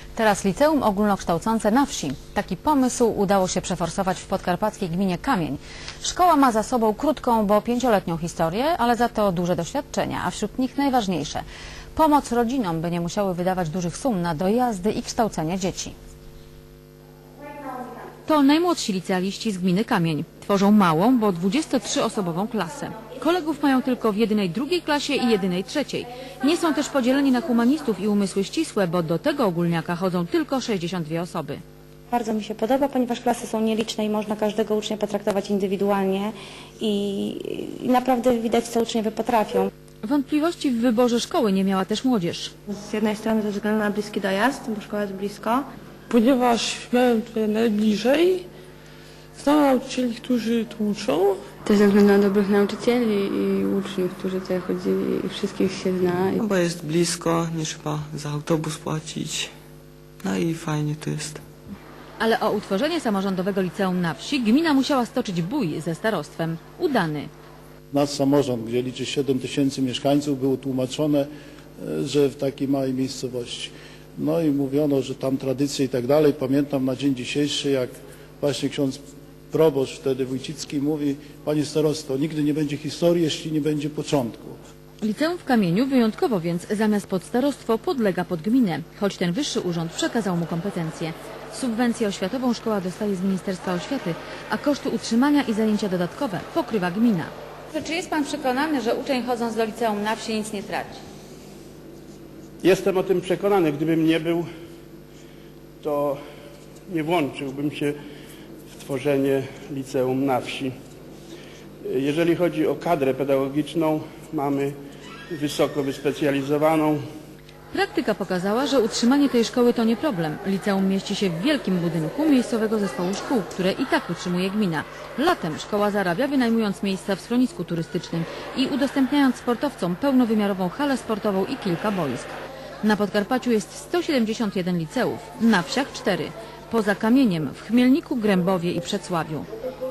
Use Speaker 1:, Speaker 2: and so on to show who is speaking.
Speaker 1: Teraz liceum ogólnokształcące na wsi. Taki pomysł udało się przeforsować w podkarpackiej gminie Kamień. Szkoła ma za sobą krótką, bo 5-letnią historię, ale za to duże doświadczenia, a wśród nich najważniejsze – pomoc rodzinom, by nie musiały wydawać dużych sum na dojazdy i kształcenie dzieci. To najmłodsi licealiści z gminy Kamień. Tworzą małą, bo 23-osobową klasę. Kolegów mają tylko w jedynej drugiej klasie i jedynej trzeciej. Nie są też podzieleni na humanistów i umysły ścisłe, bo do tego ogólniaka chodzą tylko 62 osoby.
Speaker 2: Bardzo mi się podoba, ponieważ klasy są nieliczne i można każdego ucznia potraktować indywidualnie i naprawdę widać, co uczniowie potrafią.
Speaker 1: Wątpliwości w wyborze szkoły nie miała też młodzież.
Speaker 2: Z jednej strony ze względu na bliski dojazd, bo szkoła jest blisko.
Speaker 3: Ponieważ miałem tutaj najbliżej, znam nauczycieli, którzy tu uczą.
Speaker 4: Też ze względu na dobrych nauczycieli i uczniów, którzy tutaj chodzili i wszystkich się zna.
Speaker 5: No bo jest blisko, nie trzeba za autobus płacić. No i fajnie tu jest.
Speaker 1: Ale o utworzenie samorządowego liceum na wsi gmina musiała stoczyć bój ze starostwem. Udany.
Speaker 6: Nasz samorząd, gdzie liczy 7 000 mieszkańców, było tłumaczone, że w takiej małej miejscowości. No i mówiono, że tam tradycje i tak dalej. Pamiętam na dzień dzisiejszy, jak właśnie ksiądz proboszcz wtedy Wójcicki mówi: panie starosto, nigdy nie będzie historii, jeśli nie będzie początku.
Speaker 1: Liceum w Kamieniu wyjątkowo więc zamiast pod starostwo podlega pod gminę, choć ten wyższy urząd przekazał mu kompetencje. Subwencję oświatową szkoła dostaje z Ministerstwa Oświaty, a koszty utrzymania i zajęcia dodatkowe pokrywa gmina. Czy jest pan przekonany, że uczeń chodząc do liceum na wsi nic nie traci?
Speaker 7: Jestem o tym przekonany. Gdybym nie był, to nie włączyłbym się w tworzenie liceum na wsi. Jeżeli chodzi o kadrę pedagogiczną, mamy wysoko wyspecjalizowaną.
Speaker 1: Praktyka pokazała, że utrzymanie tej szkoły to nie problem. Liceum mieści się w wielkim budynku miejscowego zespołu szkół, które i tak utrzymuje gmina. Latem szkoła zarabia, wynajmując miejsca w schronisku turystycznym i udostępniając sportowcom pełnowymiarową halę sportową i kilka boisk. Na Podkarpaciu jest 171 liceów, na wsiach 4. Poza Kamieniem w Chmielniku, Grębowie i Przedsławiu.